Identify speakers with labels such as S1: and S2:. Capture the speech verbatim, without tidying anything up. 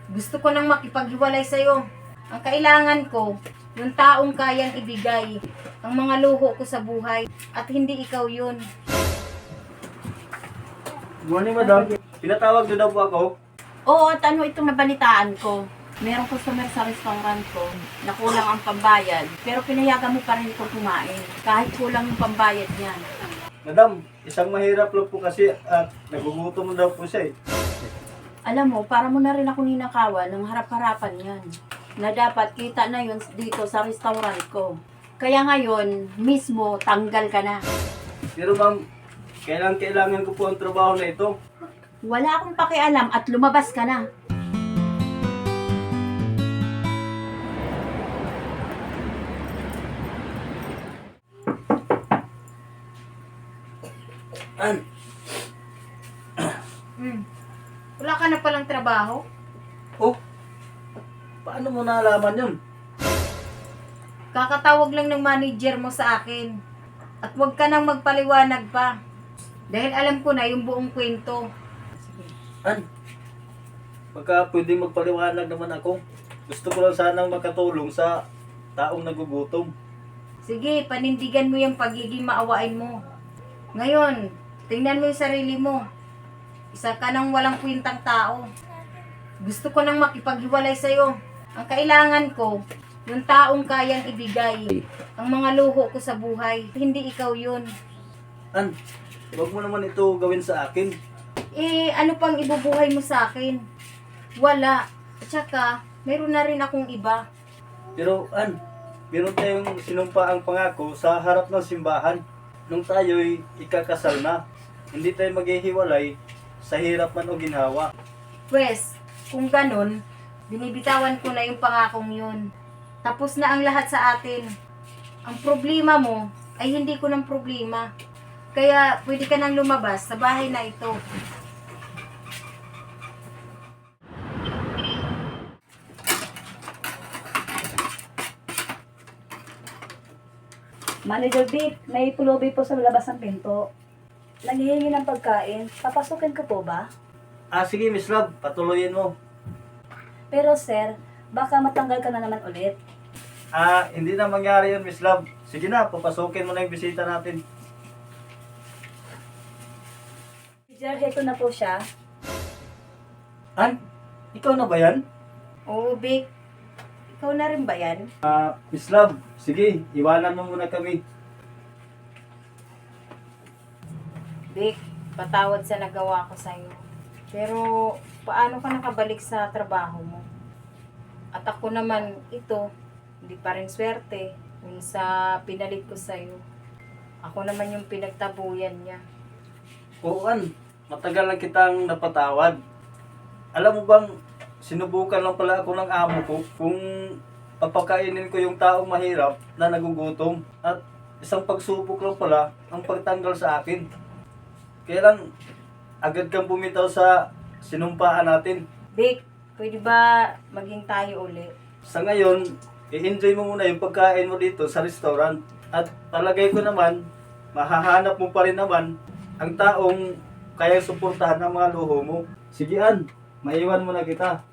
S1: Gusto ko nang makipaghiwalay sa'yo. Ang kailangan ko, yung taong kayang ibigay ang mga luho ko sa buhay at hindi ikaw yun.
S2: Morning, madam. Pinatawag niyo daw po ako.
S3: Oo, at ano itong nabalitaan ko? Merong customer sa restaurant ko na kulang ang pambayad, pero pinayagan mo pa rin itong kumain, kahit kulang yung pambayad niyan.
S2: Madam, isang mahirap lang po kasi at nagugutom daw po siya eh.
S3: Alam mo, para mo na rin ako ninakawan ng harap-harapan yan, na dapat kita na yun dito sa restaurant ko. Kaya ngayon, mismo, tanggal ka na.
S2: Pero ma'am, kailangan kailangan ko po ang trabaho na ito.
S3: Wala akong pakialam at lumabas ka na.
S2: An,
S1: Hmm. Wala ka na palang trabaho?
S2: oh, paano mo nalaman yun?
S1: Kakatawag lang ng manager mo sa akin. At huwag ka nang magpaliwanag pa. Dahil alam ko na yung buong kwento.
S2: An, pagka pwedeng magpaliwanag naman ako, gusto ko lang sanang makatulong sa taong nagugutom.
S1: Sige, panindigan mo yung pagiging maawain mo. Ngayon, tingnan mo yung sarili mo. Isa ka nang walang kwintang tao. Gusto ko nang makipaghiwalay sa'yo. Ang kailangan ko, yung taong kayang ibigay ang mga luho ko sa buhay. Hindi ikaw yun.
S2: An, huwag mo naman ito gawin sa akin.
S1: Eh, ano pang ibubuhay mo sa akin? Wala. At saka, meron na rin akong iba.
S2: Pero An, meron tayong sinumpa ang pangako sa harap ng simbahan. Nung tayo'y ikakasal na, hindi tayo maghihiwalay sa hirap man o ginhawa.
S1: Pwes, kung ganun, binibitawan ko na yung pangakong yun. Tapos na ang lahat sa atin. Ang problema mo ay hindi ko ng problema. Kaya pwede ka nang lumabas sa bahay na ito.
S4: Manager Vic, may pulubi po sa labas ng pinto. Nanghihingi ng pagkain. Papasukin ko po ba?
S2: Ah, sige Miss Love, patuloyin mo.
S4: Pero sir, baka matanggal ka na naman ulit.
S2: Ah, hindi na mangyari yun Miss Love. Sige na, papasukin mo na yung bisita natin.
S4: Sir, heto na po siya.
S2: An, ikaw na ba yan?
S1: Oo, Vic. Ikaw na rin ba yan?
S2: Ah, Miss Love, sige, iwanan mo muna kami.
S1: Vic, patawad sa nagawa ko sa'yo. Pero, paano ka nakabalik sa trabaho mo? At ako naman, ito, hindi pa rin swerte yung sa pinalit ko sa'yo. Ako naman yung pinagtabuyan niya.
S2: Oo An, matagal na kitang napatawad. Alam mo bang, sinubukan lang pala ako ng amo ko kung papakainin ko yung taong mahirap na nagugutom. At isang pagsubok lang pala ang pagtanggal sa akin. Kaya lang, agad kang bumitaw sa sinumpaan natin.
S1: Vic, pwede ba maging tayo ulit?
S2: Sa ngayon, i-enjoy mo muna yung pagkain mo dito sa restaurant. At palagay ko naman, mahahanap mo pa rin naman ang taong kaya suportahan ng mga luho mo. Sige An, maiwan mo na kita.